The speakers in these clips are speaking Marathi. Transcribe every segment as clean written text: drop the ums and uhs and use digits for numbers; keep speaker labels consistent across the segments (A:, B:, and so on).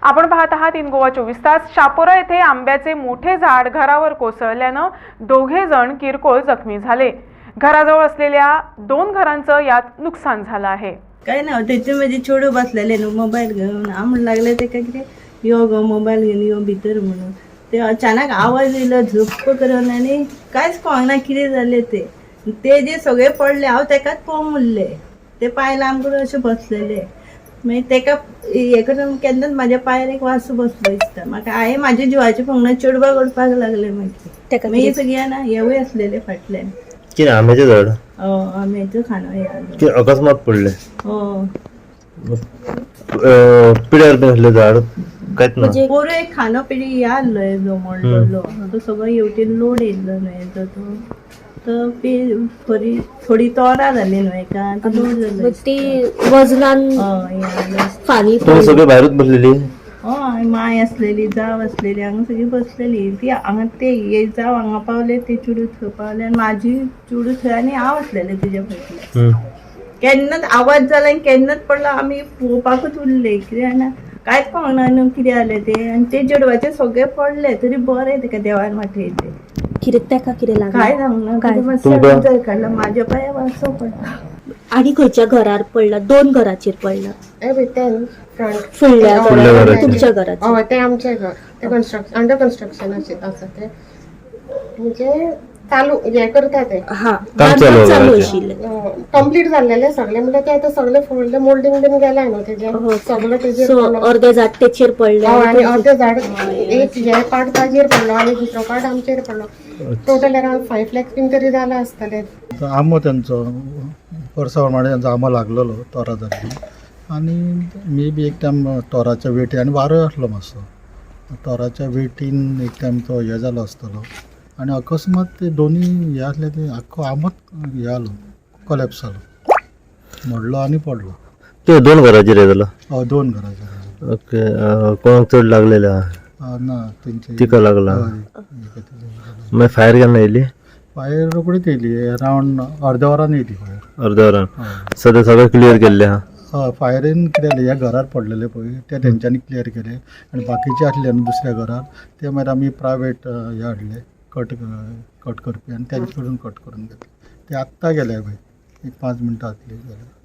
A: आपण पाहत आहात इन गोवा 24 तास। शापोरा येथे आंब्याचे मोठे झाड घरावर कोसळल्याने दोघे जण किरकोळ जखमी झाले। घराजवळ असलेल्या 2 घरांचं यात नुकसान झालं आहे।
B: काय ना त्याच्यामध्ये छोडू बसलेले न्हू मोबाईल घेऊन आम्हाला लागले ते काय कितें यो गो मोबाईल घेऊन यो भितर म्हणून ते अचानक आवाज येयलो झप्प करून आनी कांयच कळना कितें जालें ते जे सगळे पडले हांव तेकाच पळोवंक उरले ते पायला आमकां अशें बसलेले मागीर तेका हे करून केन्नाच म्हाज्या पांयार एक वासू बसलो दिसता म्हाका हांवें म्हाज्या जिवाचे पंगड चेडवा करपाक लागले मागीर सगळ्यां ना हेवूय आसलेले फाटल्यान
C: कितें आंब्याचें झाड
B: आंब्याचो खाणो हे
C: कितें अकस्मात पडले पिड्यार बी आसलें झाड कांयच ना
B: पोरं एक खाणो पिढी हे आसलो जो मोडलो तो सगळो येवटेन लोड येयल्लो न्हू हेजो तो थोडी तोरां जाली न्हू एका लोड जालो
D: ती वजनान फानी
C: तुम्ही सगळे भायरूच बसलेली
B: हय माय आसलेली जाव आसलेली हांगा सगळी बसलेली ती हांगा ते हे जाव हांगा पावले ते चुडू थंय पावले आनी म्हाजी चुडू थंय आनी हांव आसलेले तेज्या फाटल्यान केन्नाच आवाज जाला आनी केन्नाच पडलो आमी पळोवपाकूच उरले कितें जाणा कांयच कळना न्हू कितें जालें तें आनी ते चेडवाचे सगळे पडले तरी बरें तेका देवान वाटयले
D: कितें लागलें
B: काय सांगना काय मातशें काडला म्हाज्या पांयार वासो पडला
D: आणि खंयच्या घरार पडला 2 घराचेर पडला
C: फुडल्या घराचेर
D: तुमच्या घराचेर
E: हय ते आमचे घर ते कन्स्ट्रक्शन अंडर कन्स्ट्रक्शन आसा ते म्हणजे चालू हे करता ते
C: काम
D: चालू आशिल्लें
E: कंप्लीट जाल्लेले सगळे म्हणजे ते आतां सगळे फुडले मोल्डिंग बीन गेलाय न्हू तेजे सगळे तेजेर
D: अर्धे झाड तेचेर पडले
E: आणि अर्धे झाड एक हे पार्ट ताजेर पडलो आणि दुसरो पार्ट आमचेर पडलो टोटल अराउंड 5 लाख बीन तरी जाला आसतले
F: आंबो त्यांचो वर्सावरमाणे त्यांचो आंबो लागलेलो तोरा जाल्ली आनी मे बी एक टायम तोराच्या वेटी आनी वारो आसलो मातसो तोराच्या वेटीन एक टायम तो हे जालो आसतलो आनी अकस्मात ते दोनी हे आसले ते आख्खो आंबोच हे जालो कोलॅप्स जालो मोडलो आनी पडलो
C: ते 2 घराचेर हे जालो
F: 2 घराचेर
C: ओके कोणाक चड लागलेले
F: ना तेंचे
C: तिका लागला मागीर फायर केन्ना येयली
F: फायर रोखडीच येयली अरावंड अर्द्या वरान येयली फायर
C: अर्द्या वरान सद्या सगळें क्लियर केल्लें आहा
F: फायरीन कितें जालें ह्या घरार पडलेले पळय ते तेंच्यांनी क्लियर केले आनी बाकीचे आसले न्हू दुसऱ्या घरार ते मागीर आमी प्रायवेट हे हाडले कट करपी आनी तेंचे कडून कट करून घेतले ते आत्तां गेले पळय एक 5 मिनटां जातली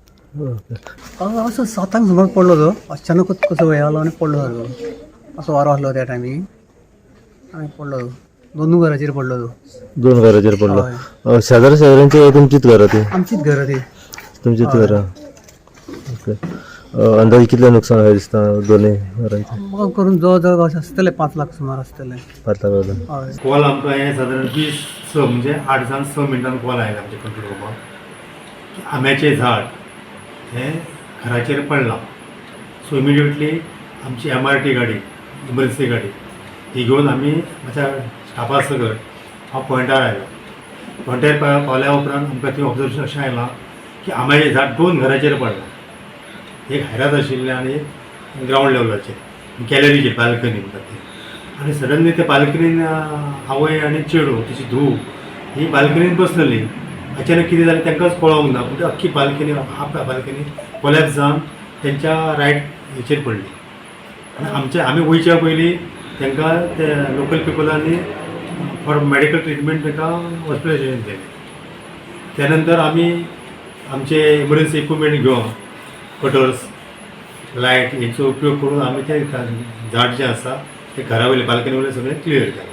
F: जाल्यार
G: असं 7 सुमार पडलो तो अचानकच कसो हे आलो आनी पडलो सारको असो वारो आसलो त्या टायमींग आनी पडलो तो 2 घराचेर पडलो तो
C: 2 घराचेर पडलो शेजाऱ्यांची तुमचीच घरां ती
G: आमचीच घरां ती
C: तुमचीच घरां ओके अंदाजे कितलें नुकसान जालें दिसता दोनूय घरांचें
G: म्हाका करून जवळ जवळ अशें आसतले 5 लाख सुमार आसतले
C: 5 लाख
G: हय
H: कॉल आमकां हें सादारण 20 म्हणजे 8 जावन 6 मिनटान कॉल आयला आमच्या कंट्रोल रुमाक की आंब्याचें झाड हें घराचेर पडलां सो इमिडिएटली आमची MRT गाडी इमर्जन्सी गाडी ही घेवन आमी म्हाज्या स्टाफा सकट हांव पॉयंटार आयलो पॉयंटार पावल्या उपरांत आमकां थंय ऑब्जर्वेशन अशें आयलां की आंब्याचें झाड 2 घराचेर पडलां एक हायरात आशिल्लें आनी एक ग्रावंड लेवलाचेर गॅलरीचेर बाल्कनी म्हणटात ती आनी सडनली त्या बाल्कनीन आवय आनी चेडू तिची धूव ही बाल्कनीन बसलेली अचानक कितें जालें तांकांच कळोंक ना पूण अख्खी बाल्कनी हाफ बाल्कनी कोलॅप्स जावन तेंच्या रायट हेचेर पडली आनी आमी वयच्या पयलीं तांकां ते लोकल पिपलांनी फॉर मॅडिकल ट्रिटमेंट तांकां हॉस्पिटलायजेशन केलें त्या नंतर आमी आमचे इमर्जन्सी इक्विपमेंट घेवन कटर्स लायट हेचो उपयोग करून आमी तें झाड जें आसा तें घरा वयलें बाल्कनी वयलें सगळें क्लियर केलें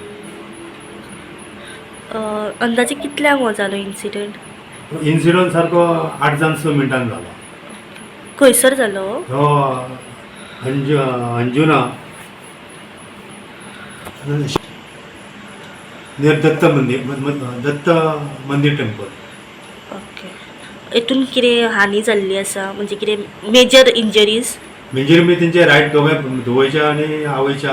D: अंदाजे कितल्यांक हो जालो इन्सिडंट
H: सारको 8 जावन 6 मिनटान जालो
D: खंयसर जालो
H: हो अंजुना नियर दत्त मंदिर टेम्पल
D: ओके हेतून कितें हानी जाल्ली आसा म्हणजे कितें मेजर इंजरीज
H: म्हणजे तेंचे रायट धुवयच्या आनी आवयच्या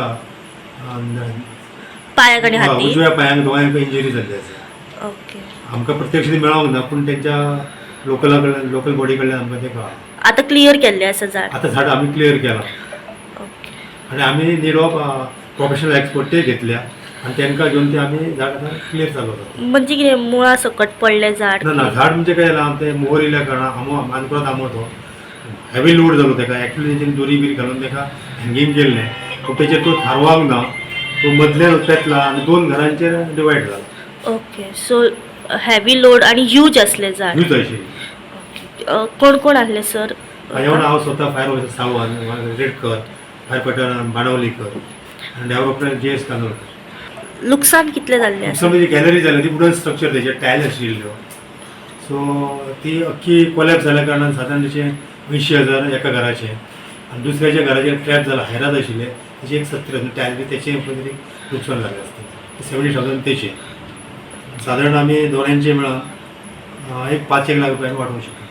D: पांयाक आनी हातीक
H: उजव्या पांयांक दोगांयक इंजरी जाल्ली आसा
D: ओके
H: आमकां प्रत्यक्ष मेळोंक ना पूण तेंच्या लोकल बॉडी कडल्यान आमकां ते कळ्ळां
D: आतां क्लियर केल्लें आसा झाड
H: आतां झाड आमी क्लियर केलां
D: ओके
H: आनी आमी नीड ऑफ प्रोफेशनल एक्सपर्ट ते घेतल्या आनी तांकां घेवन ते आमी झाड आतां क्लियर जालो
D: म्हणजे कितें मुळा सकट पडलें झाड
H: ना झाड म्हणजे काय जालां ते मोहर येयल्या कारणान आमो मानकुराद आंबो तो हेवी लोड जालो ताका एक्चुअली तेंच्यानी दोरी बीर घालून ताका हँगींग केल्लें पूण तेचेर तो थारवांक ना, तो मदल्यान पेटला आनी 2 घरांचेर डिवायड जाला.
D: ओके सो हेवी लोड आणि ह्यूज असले झाड.
H: यूज अशी
D: कोण कोण आसले सर?
H: हांवें हांव स्वता fire officer Sawant, Redkar, fire पटन बाणवलीकर आनी डेव्हलपमेंट JS कानोळकर.
D: लुकसाण कितले जाल्ले आसा?
H: जी गॅलरी जाली ती वुडन स्ट्रक्चर तेजे टायल आशिल्ल्यो, सो ती अख्खी कोलॅप्स जाल्या कारणान साधारण तेचे 80,000 एका घराचे आनी दुसऱ्याच्या घराचेर ट्रॅप जाला, हैरात आशिल्ले तेचे एक 70,000 टायल बी तेचें लुकसाण जालें आसता. 70,000 तेचे साधारण आमी दोनांचे मेळोन एक 5 लाख रुपयांनी वांटूंक शकता.